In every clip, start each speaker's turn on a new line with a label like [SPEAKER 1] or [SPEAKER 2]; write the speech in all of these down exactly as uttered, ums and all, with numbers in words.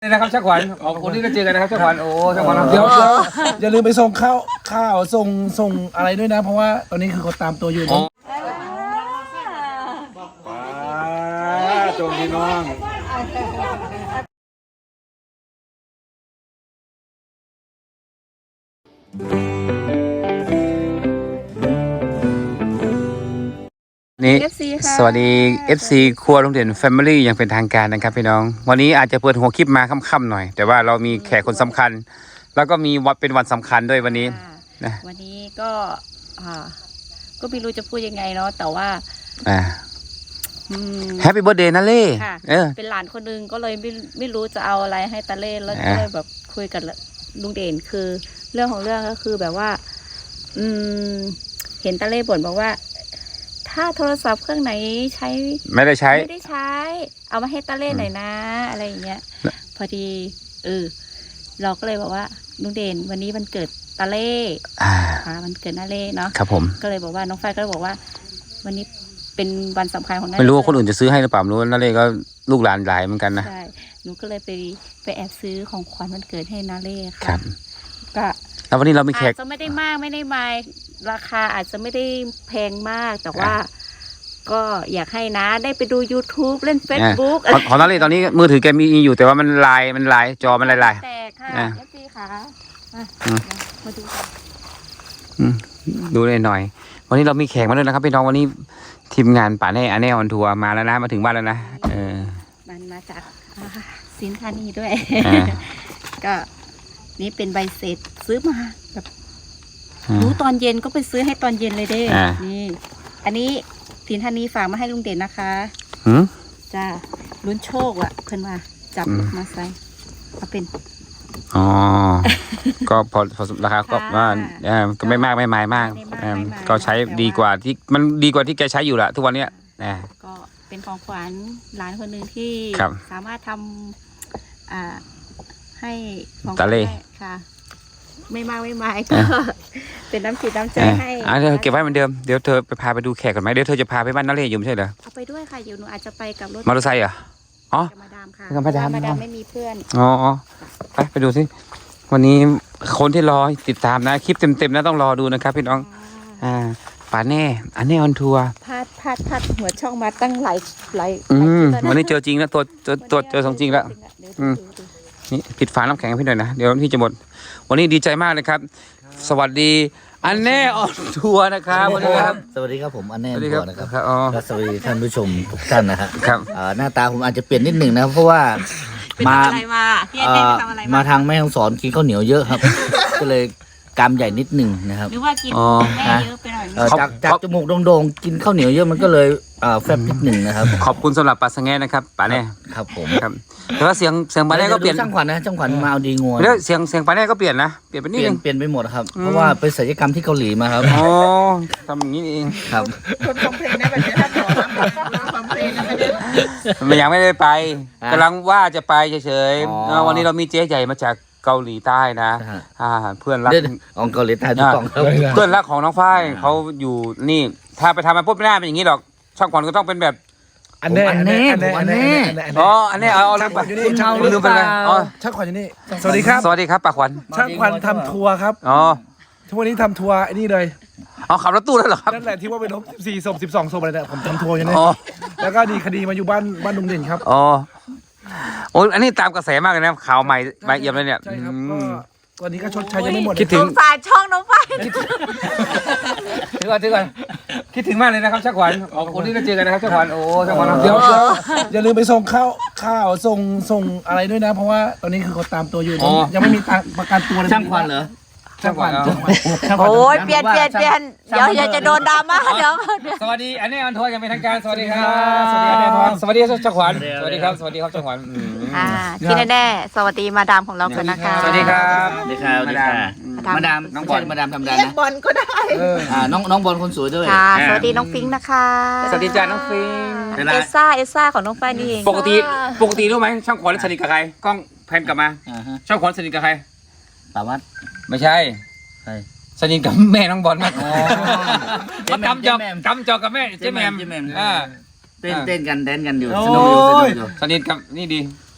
[SPEAKER 1] นะครับชักขวัญออกคนนี้ก็เจอกันนะครับชักขวัญโอ้ชักขวัญ
[SPEAKER 2] เดี๋ยวอย่าลืมไปส่งข้าวข้าวส่งส่งอะไรด้วยนะ เพราะว่าตอนนี้คือเขาตามตัวอยู่นะ
[SPEAKER 1] โจมพี่น้องนี่สวัสดี เอฟ ซี ครัวลุงเด่น Family อย่างเป็นทางการนะครับพี่น้องวันนี้อาจจะเปิดหัวคลิปมาค่ำๆหน่อยแต่ว่าเรามีแขกคนสำคัญแล้วก็มีวันเป็นวันสำคัญด้วยวันนี้นะ
[SPEAKER 3] วันนี้ก็อ่าก็ไม่รู้จะพูดยังไงเนาะแต่ว่า
[SPEAKER 1] อ่าแฮปปี้เบิร์ธเดย์นะเล่เออ
[SPEAKER 3] เป็นหลานคนนึงก็เลยไม่ไม่รู้จะเอาอะไรให้ตาเล่แล้วก็เลยแบบคุยกับลุงเด่นคือเรื่องของเรื่องก็คือแบบว่าอืมเห็นตาเล่บ่นบอกว่าถ้าโทรศัพท์เครื่องไหนใช้
[SPEAKER 1] ไม่ได้ใช้
[SPEAKER 3] ไม่ได้ใช้เอามาให้ตาเล่หน่อยนะอะไรอย่างเงี้ยพอดีเออเราก็เลยบอกว่าลุงเด่นวันนี้วันเกิดตาเล่ค่ะวันเกิดนาเล่เนาะ
[SPEAKER 1] ครับผม
[SPEAKER 3] ก็เลยบอกว่าน้องฝ้ายก็เลยบอกว่าวันนี้เป็นวันสำคัญของนาเล่
[SPEAKER 1] ไม่รู้ว่าคนอื่นจะซื้อให้หรือเปล่ารู้นาเล่ก็ลูกหลานหลายเหมือนกันนะ
[SPEAKER 3] ใช่หนูก็เลยไปไปแอบซื้อของขวัญวันเกิดให้นาเล่ค่ะ
[SPEAKER 1] ครับ
[SPEAKER 3] ก็
[SPEAKER 1] แล้ววันนี้เรามีแขก
[SPEAKER 3] อาจจะไม่ได้มากไม่ได้มาราคาอาจจะไม่ได้แพงมากแต่ว่าก็อยากให้นะได้ไปดู YouTube เล่น Facebook
[SPEAKER 1] ของนาเล่ตอนนี้มือถือแกมีอยู่แต่ว่ามันลายมันลายจอมันลายลาย
[SPEAKER 3] แต่ค่ะเอฟซีค่ะมาดู
[SPEAKER 1] ดูเลยหน่อยวันนี้เรามีแขกมาด้วยนะครับพี่น้องวันนี้ทีมงานป่าแน่อันแน่ออนทัวร์มาแล้วนะมาถึงบ้านแล้วนะเออ
[SPEAKER 3] มันมาจากสินค้านี้ด้วยก็นี่เป็นใบเสร็จซื้อมาแบบรู้ตอนเย็นก็ไปซื้อให้ตอนเย็นเลยเด้นี่อันนี้สินค้านี้ฝากมาให้ลุงเด่นนะคะจ้าลุ้นโชคอ่ะเพิ่นมาจับมาใส่เอาเป็น
[SPEAKER 1] อ๋อก็พอพอราคาก็ว่าก็ไม่มากไม่หมายมากก็ใช้ดีกว่าที่มันดีกว่าที่แกใช้อยู่ละทุกวันเนี้ยนะ
[SPEAKER 3] ก็เป็นของขวัญหลานคนหนึ่งที่สามารถทำอ่าให้ของ
[SPEAKER 1] ตาเล่
[SPEAKER 3] ค่ะไม่มากไม่หมายก็เป็นน้ำจิตน้ำใจให้
[SPEAKER 1] อ่าเดี๋ยวเก็บไว้เหมือนเดิมเดี๋ยวเธอไปพาไปดูแขกก่อนไหมเดี๋ยวเธอจะพาไปบ้านนาเล่อยู่ไม่ใช่เหรอ
[SPEAKER 3] เอาไปด้วยค่ะเดี๋ยวหนูอาจจะไปกับรถ
[SPEAKER 1] มอเตอร์ไซค์เหรออ๋อ
[SPEAKER 3] มาดามค่ะ
[SPEAKER 1] มาดาม
[SPEAKER 3] มาดามไม่มีเพื่อน
[SPEAKER 1] อ๋อไปไปดูสิวันนี้คนที่รอติดตามนะคลิปเต็มๆนะต้องรอดูนะครับพี่น้องอ่าป่าแน่อันนี้ออนทัวร์
[SPEAKER 3] พาดพาดพาดหัวช่องมาตั้งหลายหลาย
[SPEAKER 1] อืมวันนี้เจอจริงแล้วตัวตัวตัวเจอของจริงแล้วอืมนี่ปิดฝาน้ำแข็งให้พี่หน่อยนะเดี๋ยวพี่จะหมดวันนี้ดีใจมากเลยครับสวัสดีอันแน่ออนทัวร์นะครับสวัสดีครับ
[SPEAKER 4] สวัสดีครับผมอันแน่ออนทัวร์นะครับ
[SPEAKER 1] ก็
[SPEAKER 4] สวัสดีท่านผู้ชมทุกท่านนะฮะ
[SPEAKER 1] ครับ
[SPEAKER 4] หน้าตาผมอาจจะเปลี่ยนนิดหนึ่งนะเพราะว่ามามาทางแม่ฮ่องสอนกินข้าวเหนียวเยอะครับก็เลยกามใหญ่นิดหนึ่งนะครับ
[SPEAKER 3] หรือว่ากินแม่เยอะไปหน่อย
[SPEAKER 4] จากจากจมูกโด่งๆกินข้าวเหนียวเยอะมันก็เลยแฟบนิดหนึ่งนะครับ
[SPEAKER 1] ขอบคุณสำหรับปลาสังแง่นะครับปลาแน่
[SPEAKER 4] ครับผม
[SPEAKER 1] ครับแต่ว่าเสียงเสียงปลาแน่ก็เปลี่ยน
[SPEAKER 4] ช่างขวัญนะช่างขวัญมาเอาดีงว
[SPEAKER 1] แล้วเสียงเสียงปลาแน่ก็เปลี่ยนนะเปลี่ยนไปนิดนึง
[SPEAKER 4] เปลี่ยนไปหมดครับเพราะว่าไปศัลยกรรมที่เกาหลีมาครับ
[SPEAKER 1] อ๋อทำอย่างนี้เอง
[SPEAKER 4] ครับ
[SPEAKER 2] คนฟังเพลงได้แบบนี้ท่านหมอฟังเพลงนะ
[SPEAKER 1] มันยังไม่ได้ไปกำลังว่าจะไปเฉยๆวันนี้เรามีเจ๊ใหญ่มาจากเกาหลีใต้นะเพื่อนรัก
[SPEAKER 4] ของเกาหลีใต้ทุกกอง
[SPEAKER 1] เพื่อนรักของน้องฝ้ายเขาอยู่นี่ถ้าไปทำมันปุ๊บไม่ได้เป็นอย่างนี้หรอกช่างขวัญก็ต้องเป็นแบบ
[SPEAKER 4] อันแน่อันแน่อันแน่
[SPEAKER 1] อ๋ออันแน่เอาลืมไปลืมไปเลยอ๋อ
[SPEAKER 2] ช่างขวัญอยู่นี่สวัสดีครับ
[SPEAKER 1] สวัสดีครับป้าขวัญ
[SPEAKER 2] ช่างขวัญทำทัวร์ครับ
[SPEAKER 1] อ๋อ
[SPEAKER 2] ทุกวันนี้ทำทัวร์ไอ้นี่เลย
[SPEAKER 1] อ๋อขับรถตู้แล้วเหรอครับ
[SPEAKER 2] นั่นแหละที่ว่าไปลบสี่ศพสิบสองศพอะไรเนี่ยผมทำทัวร์อยู่นี่แล้วก็ดีคดีมาอยู่บ้านบ้านลุงเด่นครับ
[SPEAKER 1] อ๋อโอ้ยอันนี้ตามกระแสมากเลยนะข่าวใหม่ใหม่เอี่ยมเลยเนี่ย
[SPEAKER 2] ใช่ครับก็วันนี้ก็ชดใช้ยังไม่หมด
[SPEAKER 1] คิดถึง
[SPEAKER 3] สายช่องน้องฝ้าย
[SPEAKER 1] ถึงก่อนถึงก่อนคิดถึงมากเลยนะครับช่างขวัญออกคนนี้ก็เจอกันนะครับช่างขวัญโอ้ช่างขวัญ
[SPEAKER 2] เดี๋ยวอย่าลืมไปส่งข้าวข้าวส่งส่งอะไรด้วยนะ เพราะว่าตอนนี้คือเขาตามตัวอยู่ยังไม่มีประกันตัวเลย
[SPEAKER 4] ช่างขวัญเหรอ
[SPEAKER 2] ช่างขวัญ
[SPEAKER 3] โอ้ยเปลี่ยนเปลี่ยนเปลี่ยนเดี๋ยวอย่าจะโดนดราม่าเดี๋ยว
[SPEAKER 1] สวัสดีอันนี้ออนทัวร์ยังเป็นทางการสวัสดีครับสวัสดีอันนี้ออนทัวร์สวัสดีช่างขวัญสวัสดีครับสวัสดีครับช่างขวัญ
[SPEAKER 3] อ่าที่แน่ๆสวัสดีมาดามของเรากันนะคะ
[SPEAKER 1] สวัสดีครับ
[SPEAKER 4] สวัสดีครับมาดามมาดามน้องบอลมาดามทำได้นะ
[SPEAKER 3] บอลก็ได้
[SPEAKER 4] อ่าน้องน้องบอลคนสวยด้วย
[SPEAKER 3] ค่ะสวัสดีน้องฟิงค์นะคะ
[SPEAKER 1] สวัสดีจ้าน้องฟิงค์
[SPEAKER 3] เอซ่าเอซ่าของน้องฝ้ายนี่เอง
[SPEAKER 1] ปกติปกติรู้ไหมช่างขวัญสนิทกับใครกล้องแพนกลับมาช่างขวัญสนิทกับใคร
[SPEAKER 4] สาวัตร
[SPEAKER 1] ไม่ใช่สนิทกับแม่น้องบอลมากเขากำจอกกำจอกกับแม่เจ๊แมม
[SPEAKER 4] เต้นเต้นกันแดนกันอยู่สนุกอยู่สนุกอยู่
[SPEAKER 1] สนิทกับนี่ดี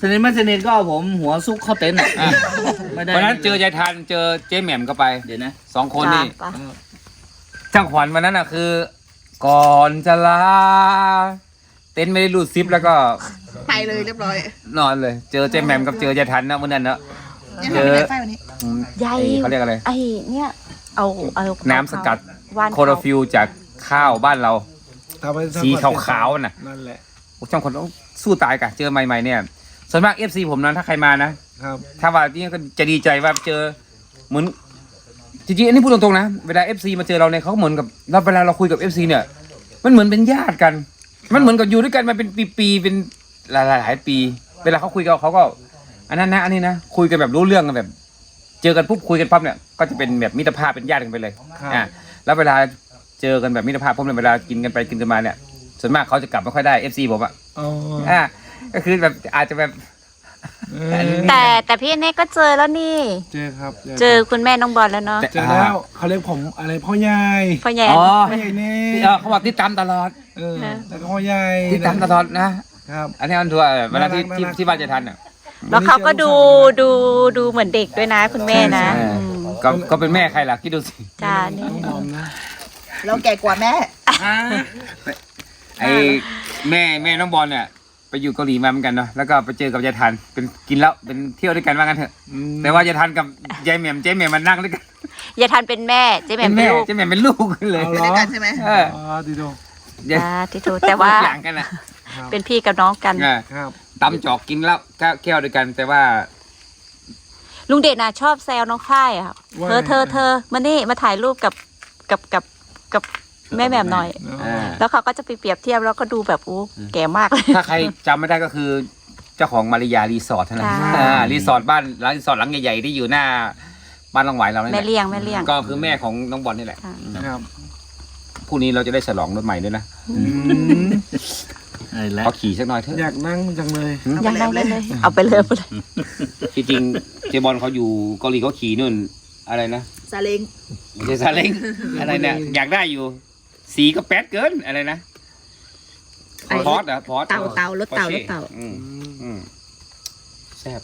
[SPEAKER 4] สนิทไม่สนิทก็เอาผมหัวซุกเข้าเต็นท์อ่ะไม่ได้
[SPEAKER 1] วันนั้นเจอยายทันเจอเจ๊แหม่มก็ไป
[SPEAKER 4] เดี๋ยวนะ
[SPEAKER 1] สองคนนี่
[SPEAKER 3] จ้ะ
[SPEAKER 1] ช่างขวัญวันนั้นอ่ะคือ ก่อนจะลาเต็นท์ไม่ได้รูดซิปแล้วก็
[SPEAKER 5] ไปเลยเรียบร้อย
[SPEAKER 1] นอนเลย เจอเจ๊แหม่มกับเจอยายทันนะวันนั้นเนอะ
[SPEAKER 5] ยัง
[SPEAKER 1] เจ
[SPEAKER 5] ทำ
[SPEAKER 1] อ
[SPEAKER 5] ไม่ได้ไฟวันนี้
[SPEAKER 1] อืม
[SPEAKER 3] ใหญ่
[SPEAKER 1] ไอ้เขาเรียกอะไร
[SPEAKER 3] ไอ้เนี่ยเอาเอา
[SPEAKER 1] น้ำสกัด
[SPEAKER 3] ว่าน
[SPEAKER 1] โคโรฟิลจากข้าวบ้านเรา
[SPEAKER 2] ทำให้
[SPEAKER 1] สีขาวๆน่ะ
[SPEAKER 2] นั่นแหละ
[SPEAKER 1] โอ้ช่างคนต้องสู้ตายกะเจอใหม่ๆเนี่ยส่วนมาก เอฟ ซี ผมนะถ้าใครมานะครับ ถ้าว่านี่ก็จะดีใจว่าเจอเหมือนจริงๆอันนี้พูดตรงๆนะเวลา เอฟ ซี มาเจอเราเนี่ยเขาเหมือนกับเราเวลาเราคุยกับ เอฟ ซี เนี่ยมันเหมือนเป็นญาติกัน มันเหมือนกับอยู่ด้วยกันมาเป็นปีๆเป็นหลายๆหลายปี เวลาเขาคุยกันเขาก็อันนั้นนะอันนี้นะคุยกันแบบรู้เรื่องกันแบบ เจอกันปุ๊บคุยกันปั๊บเนี่ยก็จะเป็นแบบมิตรภาพเป็นญาติกันไปเลย
[SPEAKER 2] ครับ
[SPEAKER 1] อ่าแล้วเวลาเจอกันแบบมิตรภาพพวกเนี่ยเวลากินกันไปกินกันมาเนี่ยส่วนมากเขาจะกลับไม่ค่อยได้ เอฟ ซี ผมอะ
[SPEAKER 2] อ๋อ
[SPEAKER 1] อ่าก็คือแบบอาจจะแบบ
[SPEAKER 2] เออ
[SPEAKER 3] แต่แต่พี่เน่ก็เจอแล้วนี่
[SPEAKER 2] เจอครับ
[SPEAKER 3] เจอคุณแม่น้องบอลแล้วเนาะ
[SPEAKER 2] เจอแล้วเขาเรียกผมอะไรพ่อใหญ่
[SPEAKER 3] พ่อใหญ่
[SPEAKER 1] อ๋อ
[SPEAKER 2] พ่อใหญ่เน่
[SPEAKER 1] เออเขาบอกติดตามตลอด
[SPEAKER 2] เออแล้วก็พ่อใหญ่
[SPEAKER 1] ติดตามตลอดนะครับ อันนี้อันทัวร์เวลาที่ที่
[SPEAKER 2] น่ารัก
[SPEAKER 1] ที่บ้านจะทันอ่ะ
[SPEAKER 3] แล้วเขาก็ดูดูดูเหมือนเด็กด้วยนะ คุณแม่นะ
[SPEAKER 1] ใช่
[SPEAKER 3] อืม
[SPEAKER 1] ก็ก็เป็นแม่ใครล่ะคิดดูสิ
[SPEAKER 3] จ้านี่
[SPEAKER 2] น้องบอมนะ
[SPEAKER 5] เราแก่กว่าแม่
[SPEAKER 1] ไอ้แม่แม่น้องบอลเนี่ยไปอยู่เกาหลีมาเหมือนกันเนาะแล้วก็ไปเจอกับยายทันเป็นกินแล้วเป็นเที่ยวด้วยกันว่างั้นเถอะ
[SPEAKER 2] อืม
[SPEAKER 1] แต่ว่ายายทันกับยายแหม่มเจ๊แหม่มมันนั่งด้วยกัน
[SPEAKER 3] อย่าทันเป็นแม่เจ๊แหม่
[SPEAKER 1] เป็
[SPEAKER 3] ม
[SPEAKER 1] น
[SPEAKER 3] เป็น
[SPEAKER 1] แม่
[SPEAKER 3] ลูก
[SPEAKER 1] เจ๊แหม่มเป็นลูกเลย
[SPEAKER 2] เอา
[SPEAKER 5] ไป
[SPEAKER 2] เหร
[SPEAKER 5] ด้วย
[SPEAKER 2] อ
[SPEAKER 5] กันใช่ไหม
[SPEAKER 1] เออ
[SPEAKER 2] อ๋อดีดู
[SPEAKER 1] ยาย
[SPEAKER 3] อ่าที่ถูกแต่ว่า
[SPEAKER 1] อย่างกันอ่ะ
[SPEAKER 2] ครับ
[SPEAKER 3] เป็นพี่กับน้องกัน
[SPEAKER 1] เออ
[SPEAKER 2] ครับ
[SPEAKER 1] ตำจอกกินแล้วแก้วแก้วด้วยกัน แต่ว่า
[SPEAKER 3] ลุงเดชน่ะชอบแซวน้องฝ้ายอะค่ะ
[SPEAKER 2] ว่า
[SPEAKER 3] เธอเธอเธอมานี่มาถ่ายรูปกับกับกับกับแม่แหม่มหน่อย
[SPEAKER 1] เออ
[SPEAKER 3] แล้วเขาก็จะไปเปรียบเทียบแล้วก็ดูแบบอู้แก่มากเลย
[SPEAKER 1] ถ้าใครจำไม่ได้ก็คือเจ้าของมาริยารีสอร์ทนะ
[SPEAKER 3] ค่ะ
[SPEAKER 1] อ่ารีสอร์ทบ้านร้านรีสอร์ทหลังใหญ่ๆที่อยู่หน้าบ้านหลังหวายเราเนี่ย
[SPEAKER 3] แม่เลี้ยงแม่เลี้ยง
[SPEAKER 1] ก็คือแม่ของน้องบอลนี่แหละ
[SPEAKER 3] ค่ะ
[SPEAKER 2] ครับ
[SPEAKER 1] พรุ่งนี้เราจะได้ฉลองรถใหม่ด้วยนะ
[SPEAKER 2] อืม
[SPEAKER 4] อะไรแล้ว
[SPEAKER 1] ขอขี่สักหน่อยเถอะ
[SPEAKER 2] อยากนั่งจังเลย
[SPEAKER 3] อยากได้เลยเลย เอาไปเลยเอาไปเลย
[SPEAKER 1] จริงๆเจบอลเขาอยู่เกาหลีเขาขี่นู่นอะไรนะ
[SPEAKER 5] ซาเล้ง
[SPEAKER 1] ไม่ใช่ซาเล้งอะไรเนี่ยอยากได้อยู่ สีก็แป๊ดเกินอะไรนะ
[SPEAKER 5] ไอ้
[SPEAKER 1] พอร์ตอะพอร์ต
[SPEAKER 5] เต่าเต่ารถเต่ารถเต่า
[SPEAKER 1] อืมอืมแซ่บบ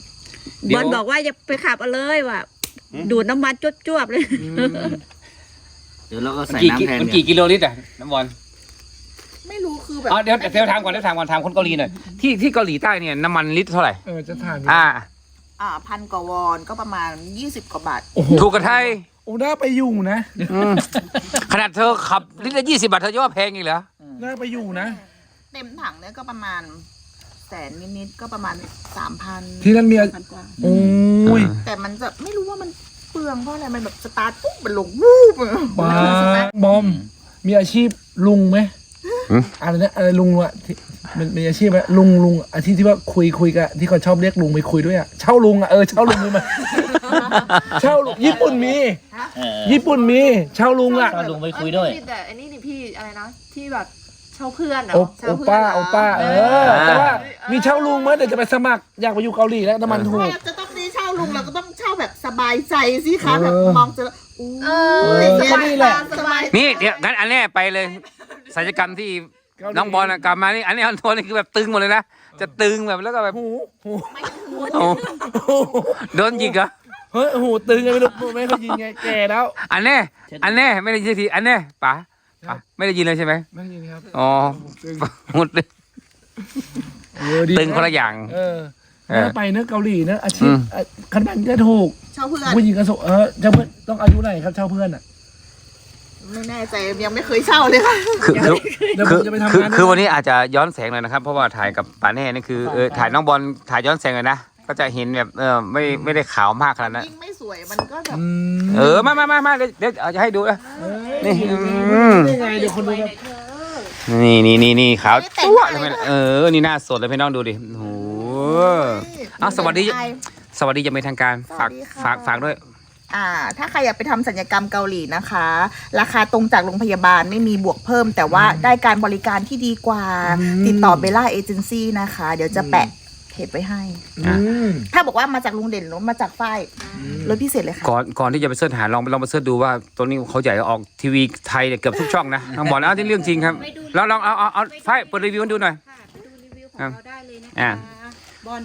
[SPEAKER 3] อลบอกว่าอย่าไปขับเอาเลยว่ะ
[SPEAKER 1] อืม
[SPEAKER 3] ดูดน้ำมันจวบๆเลย
[SPEAKER 4] เดี๋ยวเราก็
[SPEAKER 1] มัน
[SPEAKER 4] ใส่
[SPEAKER 1] กี่
[SPEAKER 4] น้ำแทน
[SPEAKER 1] มัน
[SPEAKER 4] เนี่ย
[SPEAKER 1] กี่กิโลลิตรอะน้ำบอล
[SPEAKER 5] ไม่รู้คือแบบ
[SPEAKER 1] อ๋อเดี๋ยวเดี๋ยวถามก่อนเดี๋ยวถามก่อนถามคนเกาหลีหน่อยที่ที่เกาหลีใต้เนี่ยน้ำมันลิตรเท่าไหร่
[SPEAKER 2] เออจะถามอยู่
[SPEAKER 1] อ่า
[SPEAKER 5] อ่าพันกว่าวอนก็ประมาณยี่สิบกว่าบาท
[SPEAKER 2] โอ้โห
[SPEAKER 1] ถูกกับไทย
[SPEAKER 2] โอ้น่าไปอยู่นะ
[SPEAKER 1] อืมขนาดเธอขับลิตรละยี่สิบบาทเธอจะว่าแพงอีกเหรอ
[SPEAKER 2] น่าไปอยู่นะ
[SPEAKER 5] เต็มถังเนี่ยก็ประมาณแสนนิดๆก็ประมาณสามพัน
[SPEAKER 2] ที่นั่นมีอะ
[SPEAKER 5] พันกว่า
[SPEAKER 2] โอ้ย
[SPEAKER 5] แต่มันจะไม่รู้ว่ามันเปลืองเพราะอะไรมันแบบสตาร์ทปุ๊บมันลงวูบอะ
[SPEAKER 2] บ้า
[SPEAKER 5] สตาร์ท
[SPEAKER 2] บอม มีอาชีพลุงไหม
[SPEAKER 1] หืม
[SPEAKER 2] อะไรนะอะไรลุงอะที่มันมีอาชีพไหมลุงลุงอาชีพที่ว่าคุยคุยกันที่เขาชอบเรียกลุงไปคุยด้วยอะเช่าลุงอะเออเช่าลุงเลยมา เช่าลุงญี่ปุ่นมี
[SPEAKER 4] เออ
[SPEAKER 2] ญี่ปุ่นมีเช่าลุงอะ
[SPEAKER 4] ก็ลุงไปคุยด้วย
[SPEAKER 6] แต่อันนี้นี่พี่อะไรนะที่แบบเช่าเพื่อนเหร
[SPEAKER 2] โอ
[SPEAKER 6] อ
[SPEAKER 2] โอป้าโอป้าเออแต่ว่ามีเช่าลุงไหมเดี๋ยวจะไปสมัครอยากไปอยู่เกาหลีแล้วน้ำมันถูก
[SPEAKER 5] ถ้าจะต้องได้เช่าลุงเราก็ต้องเช่าแบบสบายใจสิคะแบบ
[SPEAKER 2] เออ
[SPEAKER 5] มองจะอู้
[SPEAKER 6] เอ
[SPEAKER 2] เอ
[SPEAKER 6] อ
[SPEAKER 2] อก็นี่แหละ
[SPEAKER 5] สบาย
[SPEAKER 1] นี่เดี๋ยวงั้นอันแรกไปเลยศัลยกรรมที่น้องบอลน่ะกลับมานี่อันนี้อันโทนนี่คือแบบตึงหมดเลยนะจะตึงแบบแล้วก็แบบ
[SPEAKER 2] หูหู
[SPEAKER 1] โอ้โดนหยิกเหรอ
[SPEAKER 2] เฮ้ยหูตึงไงไม่รู้ไม่เคยยินไงแก่แล้ว
[SPEAKER 1] อันแน่อันแน่ไม่ได้ยินสักทีอันแน่ป๋าป๋าไม่ได้ยินเลยใช่ไหม
[SPEAKER 2] ไม่ได้ยินครับ
[SPEAKER 1] อ๋อ
[SPEAKER 2] ตึง
[SPEAKER 1] หมดเลย
[SPEAKER 2] เออดี
[SPEAKER 1] ตึงคนละอย่าง
[SPEAKER 2] เออ
[SPEAKER 1] เออ
[SPEAKER 2] น่าไปเนอะเกาหลีเนอะอาชีพ
[SPEAKER 1] อืม
[SPEAKER 2] อ่ะคันบันก็ถูก
[SPEAKER 5] เช่าเพื่อน
[SPEAKER 2] ผู้หญิงก็โสเออเจ้าเพื่อนต้องอายุไหนครับเช่าเพื่อนอ่ะ
[SPEAKER 5] ไม่แน่ใจยังไม่เคยเช่าเลยค่ะ
[SPEAKER 1] คือคือ
[SPEAKER 2] เดี๋ยวผ
[SPEAKER 1] คื
[SPEAKER 2] ม
[SPEAKER 1] อ
[SPEAKER 2] จะไปทำ
[SPEAKER 1] คือง
[SPEAKER 2] าน
[SPEAKER 1] คือวันนี้อาจจะย้อนแสงหน่อยนะครับ เพราะว่าถ่ายกับป๋าแน่นี่คือเออถ่ายน้องบอลถ่ายย้อนแสงเลยนะก็จะเห็นแบบเออไม่ไม่ได้ขาวมากขนาดนั้น
[SPEAKER 5] ยิ่งไม่สวยมันก็แบบ
[SPEAKER 2] อืม
[SPEAKER 1] เออมามามามาเดี๋ยวเดี๋ยวเอาจะให้ดูนะ
[SPEAKER 2] เอ้ย
[SPEAKER 1] นี่
[SPEAKER 2] อืมได้ไงเดี๋ยวคนดูแบบ
[SPEAKER 1] นี่นี่นี่นี่ขาวจั๊วเลยไหมเออนี่หน้าสดเลยพี่น้องดูดิโอ้โหอ้าวสวัสดี สวัสดีจะเป็นทางการฝากฝากฝากด้วย
[SPEAKER 5] อ่า ถ้าใครอยากไปทำศัลยกรรมเกาหลีนะคะ ราคาตรงจากโรงพยาบาลไม่มีบวกเพิ่ม แต่ว่าได้การบริการที่ดีกว่า ติดต่อเบลล่าเอเจนซี่นะคะ เดี๋ยวจะแปะเพจไว้ให้
[SPEAKER 2] อืม
[SPEAKER 5] ถ้าบอกว่ามาจากลุงเด่นหรือมาจากฝ้ายลดพิเศษเลยค่ะ
[SPEAKER 1] ก่อนก่อนที่จะไปเสิร์ชหาลองลองไปเสิร์ชดูว่าตัวนี้เขาใหญ่ออกทีวีไทยเนี่ยเกือบทุกช่องนะลองบอกนะที่เรื่องจริงครับลองลองเอาเอาเอาไฟเปิดรีวิวให้ดูหน่อย
[SPEAKER 3] ค่ะไปดูรีวิวของเราได้เลยนะ
[SPEAKER 1] อ่า
[SPEAKER 3] คะบอล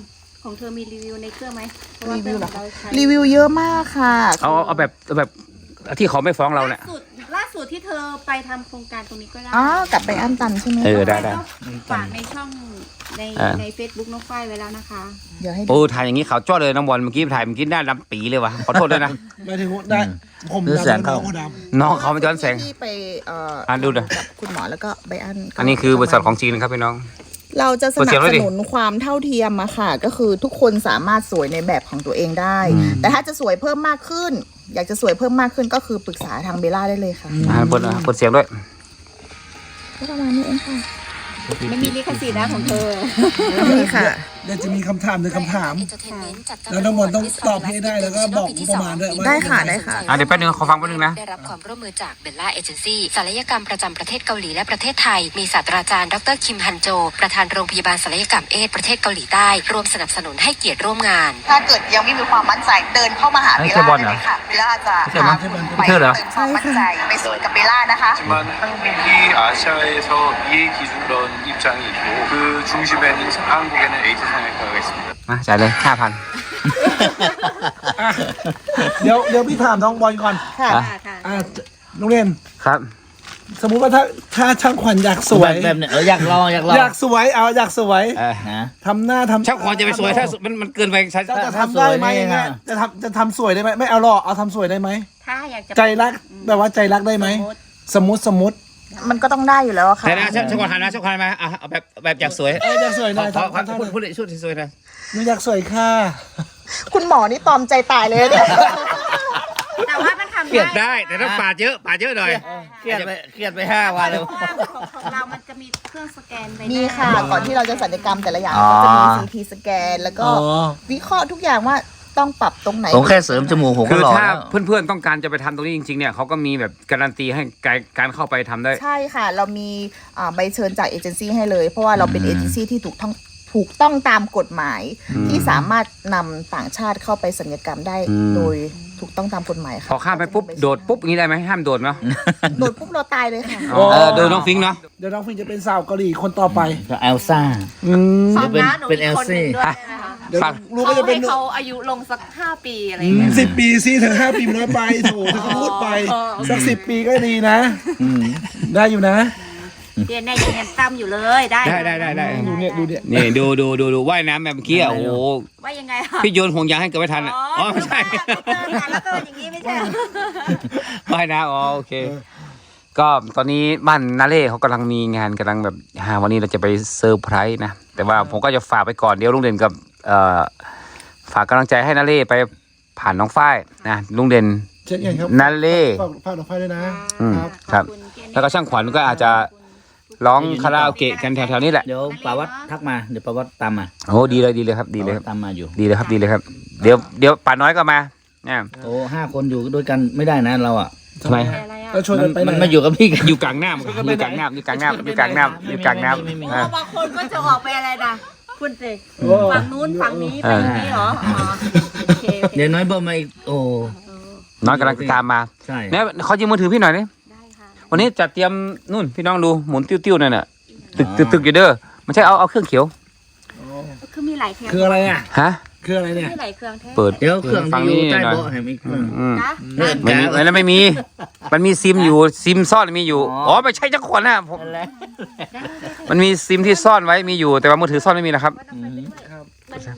[SPEAKER 3] ของเธอมีรีวิวในเครื่องไหมเพราะว่าเครื่องของเราใช้
[SPEAKER 5] รีวิวเยอะมากค่ะ
[SPEAKER 1] เอาเอาแบบเอาแบบที่เขาไม่ฟ้องเราเนี่ย
[SPEAKER 3] ล่าสุดล่าสุดที่เธอไปทำโครงการตรงนี้ก็ได้
[SPEAKER 5] อ๋อกลับไปอันตันใช่ไหม
[SPEAKER 1] เออได้ได้
[SPEAKER 3] ฝากในช่องใน
[SPEAKER 1] อ่า
[SPEAKER 3] ใน Facebook น้องฝ้ายไว้แล้วนะคะ
[SPEAKER 5] เดี๋ยวให้ดู
[SPEAKER 1] โอ้ถ่ายอย่างนี้เขาวจ้อเลยน้องบอลเมื่อกี้ถ่ายเมื่อกี้หน้าดำปีเลยวะขอโทษด้วยนะ
[SPEAKER 2] ไม่ถึงว่าได้ผม
[SPEAKER 4] หรือแสงเข้า
[SPEAKER 2] ดำ
[SPEAKER 1] น้องเขาไม่ย้อนแสง
[SPEAKER 5] ที่ไปเอ่อ
[SPEAKER 1] อ่ะดูหน่อย
[SPEAKER 5] กับคุณหมอแล้วก็ไบอันก็
[SPEAKER 1] อันนี้คือบริษัทของจีนนะครับพี่น้อง
[SPEAKER 5] เราจะส
[SPEAKER 1] เปิด
[SPEAKER 5] นั
[SPEAKER 1] เสีย
[SPEAKER 5] บ
[SPEAKER 1] งไว้
[SPEAKER 5] ส
[SPEAKER 1] ดิ
[SPEAKER 5] นุนความเท่าเทียมอะค่ะ ก็คือทุกคนสามารถสวยในแบบของตัวเองได้ แต่ถ้าจะสวยเพิ่มมากขึ้น อยากจะสวยเพิ่มมากขึ้นก็คือปรึกษาทางเบลล่าได้เลยค่ะ
[SPEAKER 1] อ่าเปิดอ่ะเปิดเสียงด้วย
[SPEAKER 5] ก็ประมาณนี้เองค่ะ
[SPEAKER 3] ไม่มีลิขสิทธิ์นะของเธอ
[SPEAKER 5] นี่ค่ะ
[SPEAKER 2] เดี๋ยวจะมีคำถามหนึ่งคำถาม แล้วน้องบอลต้องตอบให้ได้แล้วก็บอกประมาณด้วยว่า
[SPEAKER 5] ได้ค่ะได้ค่ะ
[SPEAKER 1] อ่ะเดี๋ยวแป๊บนึงขอฟังแป๊บนึงนะ
[SPEAKER 7] ได้รับความร่วมมือจากเบลล่าเอเจนซี่ศัลยกรรมประจำประเทศเกาหลีและประเทศไทย มีศาสตราจารย์ดรคิมฮันโจ ประธานโรงพยาบาลศัลยกรรมเอสประเทศเกาหลีใต้ร่วมสนับสนุนให้เกียรติร่วมงาน
[SPEAKER 5] ถ้าเกิดยังไม่มีความมั่นใจเดินเข้ามาหา
[SPEAKER 1] เอ้
[SPEAKER 5] เบ
[SPEAKER 1] ย
[SPEAKER 5] ล
[SPEAKER 1] ใช่บอ
[SPEAKER 5] ล่า
[SPEAKER 1] ลเหรอ
[SPEAKER 5] ได้เลยค่ะเบลล่าจะ
[SPEAKER 1] ใช่บอล
[SPEAKER 5] พาคุณ
[SPEAKER 1] ใช่เหรอ
[SPEAKER 5] ไปเติมความมั่นใจไปสวยกับเบลล่านะคะ
[SPEAKER 8] 하지만 한국이 아시아에서 미의 기준으로 입장이 있고 그 중심에는 한국에는 에이즈 성형외과가 있습니다.
[SPEAKER 1] มาจ่ายเลยห้าพัน
[SPEAKER 2] อ่ะเดี๋ยวเดี๋ยวพี่ถามน้องบอลก่อน
[SPEAKER 5] ค่ะ
[SPEAKER 1] อ่ะ
[SPEAKER 3] ค่ะ
[SPEAKER 2] อ่ะโรงเรียน
[SPEAKER 1] ครับ
[SPEAKER 2] สมมุติว่าถ้าถ้าช่างขวัญอยากสวย
[SPEAKER 4] แบบแบบเนี่ยเอออยากลองอยากลอง
[SPEAKER 2] อยากสวยเอาอยากสวย
[SPEAKER 1] เออ
[SPEAKER 4] นะ
[SPEAKER 2] ทำหน้าทำ
[SPEAKER 1] ช่างขอจะไปสวยถ้ามันมันเกินไปใช้
[SPEAKER 2] จะทำได้ไหม
[SPEAKER 4] ถ้าสวยนี่
[SPEAKER 2] เนี่ย
[SPEAKER 4] นะ
[SPEAKER 2] จะทำจะทำสวยได้ไหมไม่เอาหรอกเอาทำสวยได้ไหม
[SPEAKER 3] ถ้าอยากจะ
[SPEAKER 2] ใจรักแบบว่าใจรักได้ไหม
[SPEAKER 3] สมมุติ
[SPEAKER 2] สมมติสมมติ
[SPEAKER 5] มันก็ต้องได้อยู่แล้วอะค่ะ
[SPEAKER 1] แต่นะช่างช่างขอหันนะช่างขอหันมาอ่ะเอาแบบแบบอยากสวย
[SPEAKER 2] เอออยากสวยห
[SPEAKER 1] ข
[SPEAKER 2] น่
[SPEAKER 1] อ
[SPEAKER 2] อย
[SPEAKER 1] ขอขอ
[SPEAKER 2] ทำทำ
[SPEAKER 1] พูดพูดเลยชุดที่สวยนะ
[SPEAKER 2] หนูอยากสวยค่ะ
[SPEAKER 5] คุณหมอนี่ตอมใจตายเลยเนี่ย
[SPEAKER 3] แต่ว่ามันทำ
[SPEAKER 1] เกลียด
[SPEAKER 3] ได้
[SPEAKER 1] ได้แต่ต้องปาดเยอะปาดเยอะหน่อย
[SPEAKER 4] เครียดไปเครียดไปห้าวันเลย
[SPEAKER 3] เพราะว่าของของเรามันจะมีเครื่องสแกนใบหน้า
[SPEAKER 5] มีค่ะ ก่อนที่เราจะศัลยกรรมแต่ละอย่าง
[SPEAKER 4] อ๋อ
[SPEAKER 5] ก็จะมี ซี ที สแกน แล้วก็
[SPEAKER 2] อ๋อ
[SPEAKER 5] วิเคราะห์ทุกอย่างว่าต้องปรับตรงไหน
[SPEAKER 4] ผมแค่เสริมจมูกผม
[SPEAKER 1] คื
[SPEAKER 4] ก็
[SPEAKER 1] อ
[SPEAKER 4] หล่อ
[SPEAKER 1] ถ้า
[SPEAKER 4] แล้ว
[SPEAKER 1] เพื่อนๆต้องการจะไปทำตรงนี้จริงๆเนี่ยเขาก็มีแบบการันตีให้การการเข้าไปทำได้
[SPEAKER 5] ใช่ค่ะ เรามีอ่าใบเชิญจากเอเจนซี่ให้เลย เพราะว่าเราเป็นเอเจนซี่ที่ถูกต้องถูกต้องตามกฎหมาย
[SPEAKER 1] อืม
[SPEAKER 5] ที่สามารถนำต่างชาติเข้าไปศัลยกรรมได้
[SPEAKER 1] อืม
[SPEAKER 5] โดยถูกต้องตามกฎหมายค่ะ
[SPEAKER 1] พอข้ามไปปุ๊บโดดปุ๊บอย่างนี้ได้ไหมห้ามโดดเนาะ
[SPEAKER 5] โดดปุ๊บเราตายเลยค่ะ
[SPEAKER 2] โอ้
[SPEAKER 1] เออโดยน้องฟิงค์เนาะ
[SPEAKER 2] เดี๋ยวน้องฟิงจะเป็นสาวเกาหลีคนต่อไป
[SPEAKER 4] ก็เอลซ่า
[SPEAKER 2] อืม
[SPEAKER 3] ฟัง
[SPEAKER 4] เป็น
[SPEAKER 3] นะหนู
[SPEAKER 4] เป็น
[SPEAKER 3] มีคนหนึ่ง
[SPEAKER 4] Elsie
[SPEAKER 3] ด้วยนะคะ
[SPEAKER 2] เดี๋ยว
[SPEAKER 1] ฟัง
[SPEAKER 2] รู้
[SPEAKER 3] เขา
[SPEAKER 2] ก็จะเป็
[SPEAKER 3] ให้
[SPEAKER 2] น
[SPEAKER 3] เขาอายุลงสักห้าปีอะไรอย่างเงี้ย
[SPEAKER 2] สิบปีสิถึงห้าปีมันน้อยไปโถเธอก็พูดไป
[SPEAKER 3] อ๋อ
[SPEAKER 2] สักสิบปีก็ดีนะ
[SPEAKER 4] อืม
[SPEAKER 2] ได้อยู่นะ
[SPEAKER 3] เรียนได้ยังเรียนตั้มอยู่เลยได้
[SPEAKER 1] ได้ได้ได้ได้
[SPEAKER 2] ดูเนี่ยดูเนี่ย
[SPEAKER 1] นี่ดูดูดูดูว่ายน้ำแบบเมื่อกี้อ่ะโอ้โห
[SPEAKER 3] ว่ายังไงคะ
[SPEAKER 1] พี่โยนห่วงยางให้เกิดไม่ทันอ่ะอ๋อไม่ใช่
[SPEAKER 3] แล้วก็อย่างนี้ไม่ใช่
[SPEAKER 1] ว่ายน้ำอ๋อโอเค ก็ตอนนี้บ้านนาเล่เขากำลังมีงานกำลังแบบหาวันนี้เราจะไปเซอร์ไพรส์นะแต่ว่าผมก็จะฝากไปก่อนเดี๋ยวลุงเด่นกับเอ่อฝากกำลังใจให้นาเล่ไปผ่านน้องฝ้ายนะลุงเด่น
[SPEAKER 2] เช่นกันครับ
[SPEAKER 1] นาเล่
[SPEAKER 2] ฝากฝากน้องไฟด้วยนะ
[SPEAKER 1] อืม
[SPEAKER 2] ครับ
[SPEAKER 1] ครับ แล้วก็ช่างขวัญก็อาจจะร้องคาราโอเกะกันแถวๆนี้แหละ
[SPEAKER 4] เดี๋ยวปาวัดทักมาเดี๋ยวปาวัดตามมา
[SPEAKER 1] โอ้ดีเลยดีเลยครับดีเลยครับ
[SPEAKER 4] ตามมาอยู่
[SPEAKER 1] ดีเลยครับดีเลยครับ เดี๋ยวเดี๋ยวป่าน้อยก็มาเนี่ย
[SPEAKER 4] โอ้ห้าคนอยู่ด้วยกันไม่ได้นะเราอ่ะ
[SPEAKER 1] ทำไม
[SPEAKER 3] อะไรอ่ะ
[SPEAKER 2] ก็ชวน
[SPEAKER 4] มั
[SPEAKER 2] กัน นไปไหน
[SPEAKER 4] มันมาอยู่กับพี่กัน
[SPEAKER 1] อยู่กลางน้ำอยู่กลางน้ำอยู่กลางน้ำอยู่กลางน้ำอยู่กลางน้ำอ่า
[SPEAKER 3] บางคนก็จะออกไปอะไรนะคุณสิ
[SPEAKER 2] โอ้
[SPEAKER 3] ฝั่งนู้นฝั่งนี้ไปอย่างนี้เหรออ๋อโอเคโอเค
[SPEAKER 4] เดี๋ยวน้อยเบิ่มมาอีกโอ้
[SPEAKER 1] น้อยกำลังตามมา
[SPEAKER 4] ใช่
[SPEAKER 1] เนี่ยขอยืมมือถือพี่หน่อยนี่
[SPEAKER 3] ได้ค่ะ
[SPEAKER 1] วันนี้จัดเตรียมนู่นพี่น้องดูหมุนติ้วๆนั่นน่ะตึกตึกตึกอยู่เด้อไม่ใช่เอาเอาเครื่องเขียว
[SPEAKER 3] คือมีหลายเครื่อง
[SPEAKER 2] คืออะไรอ่ะ
[SPEAKER 1] ฮะ
[SPEAKER 2] คืออะไรเนี่ย
[SPEAKER 3] มีหลายเครื่องแท้
[SPEAKER 1] เปิด
[SPEAKER 4] เดี๋ยวเครื่อง
[SPEAKER 1] ฟัง
[SPEAKER 4] ที่อ
[SPEAKER 1] นี่
[SPEAKER 4] ยู่ใต้
[SPEAKER 1] หน่อย
[SPEAKER 4] เบาะเห็นไหมเครื่อง
[SPEAKER 1] อืม
[SPEAKER 3] นะ
[SPEAKER 4] เนี่ย
[SPEAKER 1] ไม่มีอันนั้นไม่มี มันมีซิมอยู่ซิมซ่อนมีอยู่
[SPEAKER 4] อ๋ออ๋
[SPEAKER 1] อ๋อไม่ใช่จักรขวัญนะผม
[SPEAKER 4] นั่นแหละ
[SPEAKER 1] มันมีซิมที่ซ่อนไว้มีอยู่ แต่ว่ามือถือซ่อนไม่มีนะครับ
[SPEAKER 4] อืม
[SPEAKER 3] มัน
[SPEAKER 4] อ่า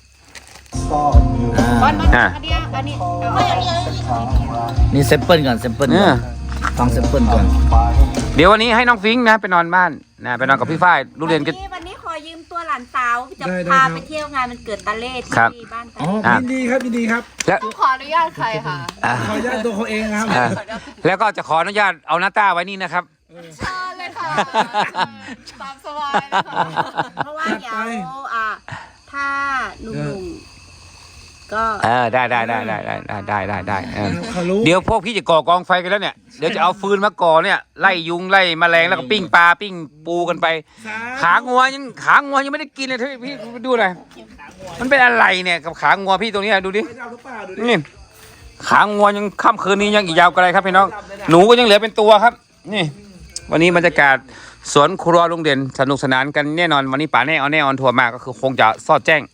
[SPEAKER 3] บอลมัน
[SPEAKER 1] อ่ะ
[SPEAKER 3] อันเนี้ยอันนี้เอาอันนี้
[SPEAKER 4] นี่เซมเปิลก่อนเซมเปิล
[SPEAKER 1] เนี่
[SPEAKER 4] ก่อย นฟังเซมเปิลก่อน
[SPEAKER 1] เดี๋ยววันนี้ให้น้องฟิงค์นะไปนอนบ้านนะไปนอนกับพี่ฝ้ายลูกเรียนก็
[SPEAKER 3] วันนี้วันนี้ขอยืมตัวหลานสาวจะ
[SPEAKER 2] ได้ได้
[SPEAKER 3] พา
[SPEAKER 2] ครับ
[SPEAKER 3] ไปเที่ยวงานมันเกิดตาเล่
[SPEAKER 1] ครับ
[SPEAKER 3] ที่บ้านตา
[SPEAKER 4] อ๋อ
[SPEAKER 3] เล่
[SPEAKER 1] อ่ะ
[SPEAKER 2] ยินดีครับยินดีครับ
[SPEAKER 1] แล้ว
[SPEAKER 6] ขออนุญาตใครค่ะ
[SPEAKER 1] อ่ะ
[SPEAKER 2] ขออนุญาตตัวเขาเองนะครับ
[SPEAKER 1] อ่ะแล้วก็จะขออนุญาตเอาหน้าต้าไว้นี่นะครับ
[SPEAKER 6] เชิญเลยค่ะ ตามสบายเลยค่ะ
[SPEAKER 3] เพราะว่าเดี๋ยวอ่ะถ้าหนุ่มๆก็
[SPEAKER 1] เออได้ได้ได้ได้ได้ได้ได้ได้เออ
[SPEAKER 2] เขารู้
[SPEAKER 1] เดี๋ยวพวกพี่จะก่อกองไฟกันแล้วเนี่ยเดี๋ยวจะเอาฟืนมาก่อเนี่ยไล่ยุงไล่แมลงแล้วก็ปิ้งปลาปิ้งปูกันไป ขางัวยังขางัวยังไม่ได้กินเลยพี่พี่ดูหน่อยมันเป็นอะไรเนี่ยกับขางัวพี่ตรงนี้ดูดิ
[SPEAKER 2] ไม่เอาหรือเปล่าดูดิ
[SPEAKER 1] นี่ขางัวยังค่ำคืนนี้ยังอีกยาวไกลครับพี่น้องหนูก็ยังเหลือเป็นตัวครับ นี่ วันนี้บรรยากาศสวนครัวลุงเด่นสนุกสนานกันแน่นอนวันนี้ป๋าแน่เอาแน่ออนทัวร์มาก็คือคงจะซอดแจ้ง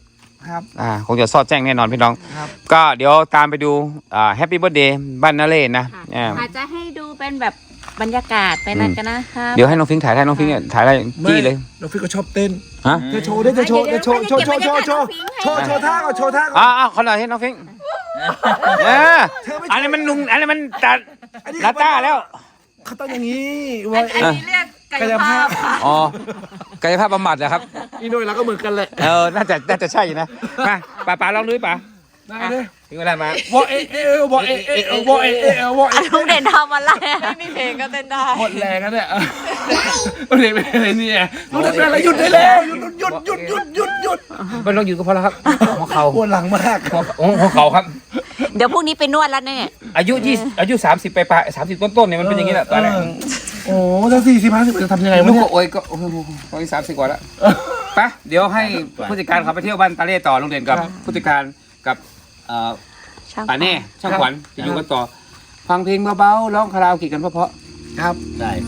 [SPEAKER 2] ครับ
[SPEAKER 1] อ่าคงจะสอดแจ้งแน่นอนพี่น้อง
[SPEAKER 2] ครับ
[SPEAKER 1] ก็เดี๋ยวตามไปดูอ่าแฮปปี้เบิร์ดเดย์บ้านนาเล่นะ
[SPEAKER 3] ค่ะ
[SPEAKER 1] อ่า
[SPEAKER 3] อาจจะให้ดูเป็นแบบบรรยากาศไปนั่นกันนะคะ
[SPEAKER 1] เดี๋ยวให้น้องฟิงค์ถ่ายได้น้องฟิงค์เนี่ยถ่ายได้จี้เลย
[SPEAKER 2] น้องฟิกก็ชอบเต้น
[SPEAKER 1] ฮะ
[SPEAKER 2] จะโชว์ได้จะโชว์จะโชว์โชว์โชว์โชว์โชว์โชว์โชว์ท่าก่อนโชว์ท่าก่อน
[SPEAKER 1] อ่าอ่าขอหน่อยให้น้องฟิงค์เอออันนี้มันนุ่งอันนี้มันตัดลาต้าแล้ว
[SPEAKER 2] เขาต้องอย่างนี้ไว้
[SPEAKER 3] อันนี้เรียกกายภาพค่ะ
[SPEAKER 1] อ๋อกายภาพบำบัดเหรอครับ
[SPEAKER 2] อีโน่เราก็เหมือนกันแหละ
[SPEAKER 1] เออ น่าจะ น่าจะใช่อยู่นะ มาป๋าป๋าลองดูดิป๋า
[SPEAKER 2] ได้เลย
[SPEAKER 1] ถึงเวลามาว
[SPEAKER 2] อเอเอเอวอเอเอเอวอเอเอเอวอเอ
[SPEAKER 3] ลุงเด่นทำอะไร
[SPEAKER 6] ไม่มีเพลงก็เต้นได้
[SPEAKER 2] หมดแรงแล้วเนี่ยเรียนไปเลยเนี่ยรู้แต่เป็นอะไรหยุดได้แล้วหยุดหยุดหยุดหยุดหยุดหยุด
[SPEAKER 1] ไม่ต้องอยู่ก็พอแล้วครับหัวเข่า
[SPEAKER 2] ปวดหลังมาก
[SPEAKER 1] หัวหัวเข่าครับ
[SPEAKER 3] เดี๋ยวพรุ่งนี้ไปนวดแล้วเนี่ย
[SPEAKER 1] อายุยี่อายุสามสิบไปปลายสามสิบต้นๆเนี่ยมันเป็นอย่างนี้แหละตอนแรก
[SPEAKER 2] โอ้ถ้าสี่สิบห้าสิบจะทำยังไงวะ
[SPEAKER 1] ลูก
[SPEAKER 2] เนี่
[SPEAKER 1] ก็
[SPEAKER 2] ย
[SPEAKER 1] โอยก็โอ้โหโอ้ยสามสิบกว่าแล้วไปเดี๋ยวให้ผู้จัดการเขาไปเที่ยวบ้านตาเล่ต่อโรงเรียนกับผู้จัดการกับเอ่อ
[SPEAKER 3] ช่าง
[SPEAKER 1] ป่าเน่ช่างขวัญจะอยู่กันต่อ ฟังเพลงเบาๆร้องคาราโอเกะกันเพราะ
[SPEAKER 2] ครับ
[SPEAKER 4] ใช่ใช่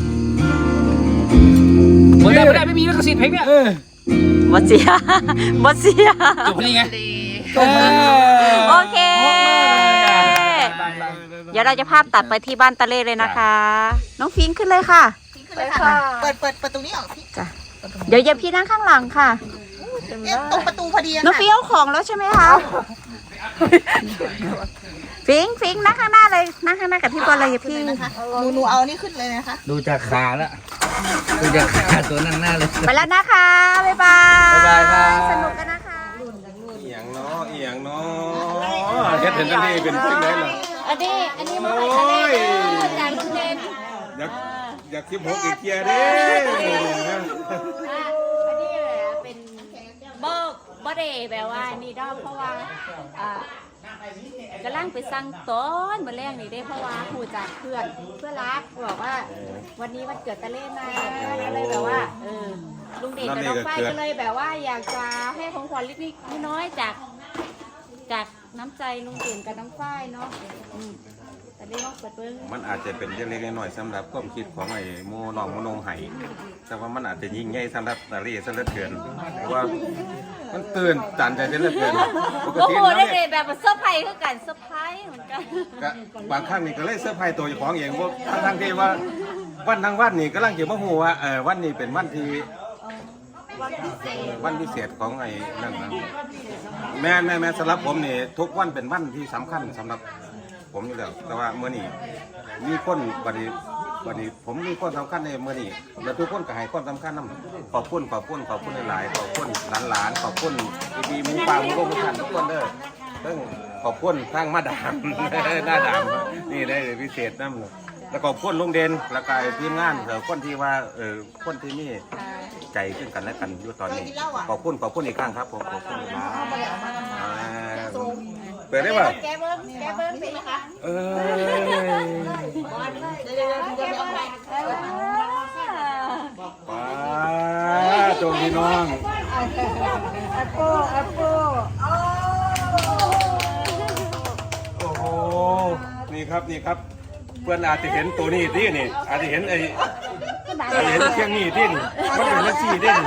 [SPEAKER 1] ๆไม่ได้ไม่ได้ไม่มีลิขสิทธิ์เพลงเนี่ย
[SPEAKER 2] เออ
[SPEAKER 3] บดเสียบดเสีย
[SPEAKER 1] จบพอดีไง
[SPEAKER 3] โอเค เดี๋ยวเราจะภาพตัดไปที่บ้านตะเล่เลยนะคะ น้องฟิงค์ขึ้นเลยค่ะ
[SPEAKER 5] ขึ้นเลยค่ะเปิดเปิดประตูนี้ออกพี่
[SPEAKER 3] จ้ะ เดี๋ยวเย็บพี่นั่งข้างหลังค่ะ
[SPEAKER 5] เอ๊ะตรงประตูพอดีอะ
[SPEAKER 3] น้อง
[SPEAKER 5] ค่ะ
[SPEAKER 3] ฟิงค์เอาของแล้วใช่ไหมคะ ฟิงค์ฟิงค์นั่งข้างหน้าเลย นั่งข้างหน้ากับพี่บอลเลยพี่
[SPEAKER 5] นะคะหนูหนูเอานี่ขึ้นเลยนะคะ
[SPEAKER 4] ดูจากขาแล้วดูจากขาตัวนั่งหน้าเลย
[SPEAKER 3] ไปแล้วนะคะ บ๊ายบาย
[SPEAKER 4] บ๊ายบายครับ
[SPEAKER 3] สนุกกันนะคะ
[SPEAKER 8] อีหยังเนาะอีหยังเนาะเฮ็ดเห็นทะเลเป็นจังได๋ล่ะ
[SPEAKER 3] อันนี้ อันนี้มาทะเลจากลุงเด่น
[SPEAKER 8] อยากอยากสิบหกอีกเที่ยเด้
[SPEAKER 3] อันนี้เลยเป็นเบิกบ่ได้แบบว่านี่ดอกเพราะว่าอ่ากำลังไปสั่งต้นมาแรกนี่ได้เพราะว่าผูจากเพื่อนเพื่อนรักบอกว่า วันนี้วันเกิดตะเล่นนะก็เลยแบบว่าเออลุงเด่นกับน้องฝ้ายก็เลยแบบว่าอยากจะให้ของขวัญเล็กๆน้อยๆจากจากน้ำใจลุงเด่นกับน้องฝ้ายเนาะอืมแต่ได้ลองเปิดเบิ้ง
[SPEAKER 8] มันอาจจะเป็นเล็กๆน้อยๆสำหรับความคิดของไอ้โมน้องโมโนไห้แต่ว่ามันอาจจะยิ่งใหญ่สำหรับตาลีซะเหลือเกินเพราะว่ามันตื่นตันใจซะเหลือเกินปก
[SPEAKER 3] โอ้
[SPEAKER 8] ติ
[SPEAKER 3] โห
[SPEAKER 8] แล้ว
[SPEAKER 3] ได้
[SPEAKER 8] เนี่ย
[SPEAKER 3] เลยแบบเซอร์ไพรส์คือกันเซอร์ไพรส์เหมือนกัน
[SPEAKER 8] ก็บางครั้งนี่ก็เลยเสื้อร์ไผ่ตัวเจ้าของเองว่าทั้งๆที่ว่าวันทั้งวันนี่กำลังจะมาฮู้ว่าเออวันนี้เป็นวันที่วันพิเศษของไอ้นั่นนะแม่แม่แม่สำหรับผมนี่ทุกวันเป็นวันที่สำคัญสำหรับผมอยู่แล้วแต่ว่าเมื่อนี้มีคนบัดนี้บัดนี้ผมมีคนสำคัญในเมื่อนี้แล้วทุกคนก็ให้ความสำคัญนํขอบคุณขอบคุณขอบคุณหลายๆขอบคุณหลานๆขอบคุณพี่ๆหมูป่าหมูโลกทุกท่านทุกคนเด้อเพิ่งขอบคุณทางมาดาม หน้าดามนี่ได้พิเศษนั่นแล้วก็ขอบคุณลุงเด่นแล้วก็ทีมงานเออคนที่ว่าเออคนที่นี่ใจขึ้นกันและกันอยู่ตอนนี้ขอบคุณขอบคุณอีกครั้งครับผมขอบคุณครับอ่าเปิดได้ป่ะ
[SPEAKER 3] แกเบิ้งแกเบิ้งเป็นไหมคะ
[SPEAKER 8] เออป้าโจมพี่น้อง
[SPEAKER 3] แอปเปิ้ลแอปเปิ้ล
[SPEAKER 8] โอ้โหนี่ครับนี่ครับเพื่อนอาจจะเห็นตัวนี้ที่นี่อาจจะเห็นไอ้อาจจะเห็นเชียงนี่ที่นี่มันเป็นลักซี่ที่นี่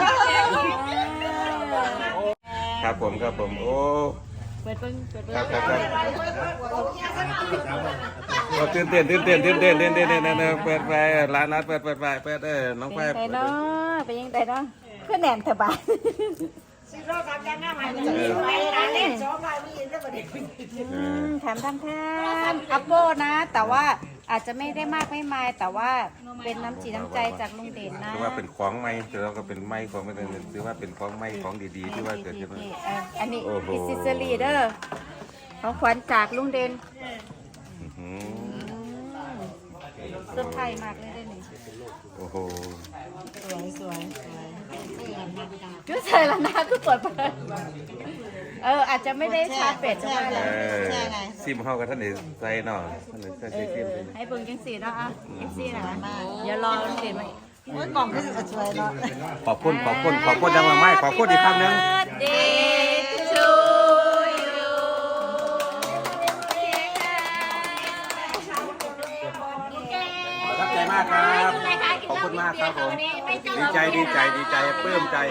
[SPEAKER 8] ครับผมครับผมโอ้
[SPEAKER 3] เปิดเบิ้งเปิดเบิ้
[SPEAKER 8] ค
[SPEAKER 3] ง
[SPEAKER 8] รับครับครับโอ้ตื่นเต้นตื่นเต้นตื่นเต้นตื่นเต้นตื่นเต้นเปิดไฟร้านร้านเปิดเปิดไฟเปิดเออน้องไฟ
[SPEAKER 3] เป็นไงเนาะเป็นยังไงเนาะเพื่อนแหนมเถอะบ้าน อืมแถมทำแทนอัปโปนะ แต่ว่าอาจจะไม่ได้มากไม่มายแต่ว่าเป็นน้ำจิตน้ำใจจากลุงเด่นนะ
[SPEAKER 8] ถือว่าเป็นของใหม่ถือว่าก็เป็นไม้ของไม่เป็นถือว่าเป็นของใหม่ของดีๆที่ว่าเกิดขึ้นมา
[SPEAKER 3] นี่อ่ะอันนี้
[SPEAKER 8] โอ้โห
[SPEAKER 3] อิซิสลีเดอร์ของขวัญจากลุงเด่น
[SPEAKER 8] อื้อหือ
[SPEAKER 3] เซอร์ไพรส์มากเลยเด้อนี่
[SPEAKER 8] โอ้โห
[SPEAKER 3] จุ๊ใส่ละนะคือเปิดเผยเอออาจจะไม่ได้ชาร์จเป็ดใช่ไหม
[SPEAKER 8] เออซิมเฮากับท่านเอกใส่เนาะท่านเอกใส่
[SPEAKER 3] เอ
[SPEAKER 8] ซิ
[SPEAKER 3] อ
[SPEAKER 8] ม
[SPEAKER 3] เออให้เบิ่งจังสีเนาะอ่ะจังสีนะเดี๋ยวรอลุงเด่นมา
[SPEAKER 5] กล่องก็จะสวยเนาะ
[SPEAKER 8] ขอบคุณขอบคุณขอบคุณดังมาไม่ขอบคุณอีกคำหนึ่ง
[SPEAKER 3] Birthday to you
[SPEAKER 8] ประทับใจมากครับขอบคุณมากครับผมดีใจดีใจดีใจปลื้มใจ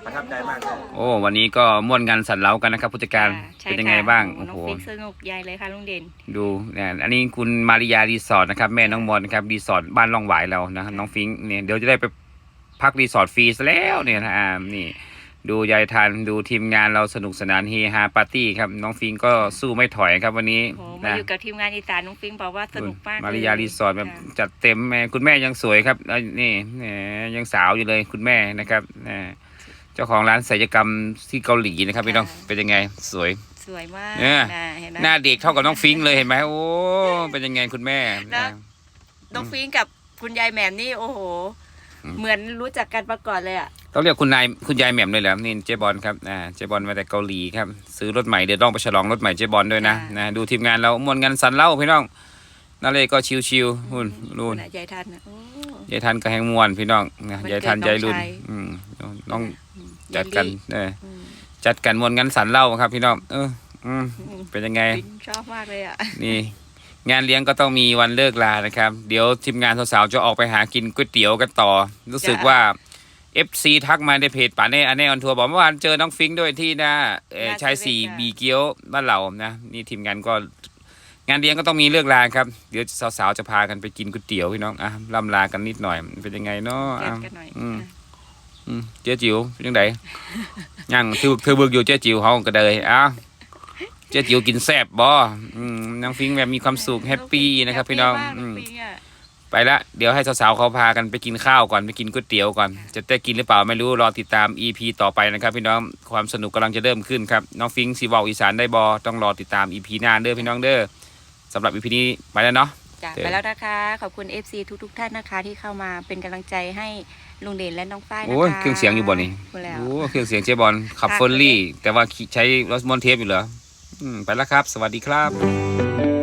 [SPEAKER 8] ประทับใจมากเลย
[SPEAKER 1] โอ้วันนี้ก็ม่วนงานสันเล้ากันนะครับผู้จัดการ
[SPEAKER 3] ใช่
[SPEAKER 1] เป็นยังไงบ้าง
[SPEAKER 3] ค่ะ
[SPEAKER 1] โอ้
[SPEAKER 3] น้อง
[SPEAKER 1] โห
[SPEAKER 3] ฟิงสนุกใหญ่เลยค่ะลุงเด่น
[SPEAKER 1] ดูเนี่ยอันนี้คุณมาริยารีสอร์ทนะครับแม่น้องมอนนะครับรีสอร์ทบ้านร่องหวายเรานะน้องฟิงค์เนี่ยเดี๋ยวจะได้ไปพักรีสอร์ทฟรีซะแล้วเนี่ยนะอ่านี่ดูยายทันดูทีมงานเราสนุกสนานเฮฮาปาร์ตี้ครับน้องฟิงค์ก็สู้ไม่ถอยครับวันนี้
[SPEAKER 3] โอ้มา
[SPEAKER 1] นะ
[SPEAKER 3] อยู่กับทีมงานอีสานน้องฟิงบอกว่าสนุกมาก
[SPEAKER 1] มาริยารีสอร์ทแบบ
[SPEAKER 3] ค่ะ
[SPEAKER 1] จัดเต็มแม่คุณแม่ยังสวยครับแล้วนี่แหมยังสาวอยู่เลยคุณแม่นะครับอ่าเจ้าของร้านศัลยกรรมที่เกาหลีนะครับพี่น้องเป็นยังไงสวย
[SPEAKER 3] สวยมาก
[SPEAKER 1] เนี่ย
[SPEAKER 3] นะเห็นไหม
[SPEAKER 1] หน้าเด็กเท่ากับน้องฟิงค์เลยเห็นไหมโอ้เป็นยังไงคุณแม่
[SPEAKER 3] นะ
[SPEAKER 1] นะ
[SPEAKER 3] น้องฟิงกับคุณยายแหม่มนี่โอ้โห
[SPEAKER 1] อืม
[SPEAKER 3] เหมือนรู้จักกันมาก่อนเลยอ่ะ
[SPEAKER 1] ต้องเรียกคุณนายคุณยายแหม่มเลยเหรอนี่เจ๊บอลครับอ่าเจ๊บอลมาแต่เกาหลีครับซื้อรถใหม่เดี๋ยวต้องไปฉลองรถใหม่เจ๊บอลด้วยนะ
[SPEAKER 3] ค่ะ
[SPEAKER 1] นะดูทีมงานเรามวนงานสันเล่าพี่น้องนั่นเลยก็ชิวๆหุ่นนู่น
[SPEAKER 3] ะยายทันนะโอ้
[SPEAKER 1] ยายทันก็แหงมวนพี่น้องนะ
[SPEAKER 3] วันเกิด
[SPEAKER 1] ยายทัน
[SPEAKER 3] น้อง
[SPEAKER 1] ยายรุ่น
[SPEAKER 3] ชาย
[SPEAKER 1] อืมน้อง
[SPEAKER 3] อืม
[SPEAKER 1] จัดกัน
[SPEAKER 3] ยายลี่
[SPEAKER 1] เออ
[SPEAKER 3] อืม
[SPEAKER 1] จัดกันมวนงานสันเล่าครับพี่น้องเอออืม
[SPEAKER 3] อืม
[SPEAKER 1] เป็นยังไง
[SPEAKER 3] ฟิงชอบมากเลยอ่ะ
[SPEAKER 1] นี่งานเลี้ยงก็ต้องมีวันเลิกลานะครับ เดี๋ยวทีมงานสาวๆจะออกไปหากินก๋วยเตี๋ยวกันต่อ รู้สึกว่า เอฟ ซี ทักมาในเพจป่าเน่อันเน่ออนทัวร์บอกเมื่อวานเจอน้องฟิงค์ด้วยที่หน้าเอ่อ
[SPEAKER 3] หน้า
[SPEAKER 1] ชาย
[SPEAKER 3] เซ
[SPEAKER 1] สี่
[SPEAKER 3] เว่นค่ะ
[SPEAKER 1] บีเกียวบ้านเรานะนี่ทีมงานก็งานเลี้ยงก็ต้องมีเลิกลาครับ เดี๋ยวสาวๆจะพากันไปกินก๋วยเตี๋ยวพี่น้องอ่ะล่ำลากันนิดหน่อยเป็นยังไงเนาะ
[SPEAKER 3] แก
[SPEAKER 1] อ่ะ
[SPEAKER 3] นกันหน่อย
[SPEAKER 1] อืม
[SPEAKER 3] อ่ะ
[SPEAKER 1] อืมเจ๊จิ๋วเป็นยังไงยังถือถือบึกอยู่เจ๊จิ๋วเขาก็เลยอ้าวเจ๊จิ๋วกินแซ่บบ่อืมน้องฟิงค์แบบมีความสุขแฮปปี้นะครับพี่น้อง
[SPEAKER 3] แฮปปี้มาก
[SPEAKER 1] อืม
[SPEAKER 3] น้องฟิงค์อ่ะ
[SPEAKER 1] ไปละเดี๋ยวให้สาวๆเขาพากันไปกินข้าวก่อนไปกินก๋วยเตี๋ยวก่อนจะได้กินหรือเปล่าไม่รู้รอติดตาม อี พี ต่อไปนะครับพี่น้องความสนุกกำลังจะเริ่มขึ้นครับน้องฟิงค์ซีวอลอีสานได้บอต้องรอติดตาม อี พี หน้าเด้อพี่น้องเด้อสำหรับ อี พี นี้ไปแล้วเนาะ
[SPEAKER 3] จ้ะ
[SPEAKER 1] เดี๋ยว
[SPEAKER 3] ไปแล้วนะคะ ขอบคุณ เอฟ ซี ทุกๆท่านนะคะที่เข้ามาเป็นกำลังใจให้ลุงเด่นและน้องฝ้ายนะคะ
[SPEAKER 1] โอ้ยเครื่องเสียงอยู่บ่นี่
[SPEAKER 3] พูดแล้ว
[SPEAKER 1] โอ้เครื่องเสียงเจบอลขับ
[SPEAKER 3] ค่ะ
[SPEAKER 1] เฟอร์รี่ แต่ว่าใช้รถมอนเทปอยู่เหรออืมไปแล้วครับ สวัสดีครับ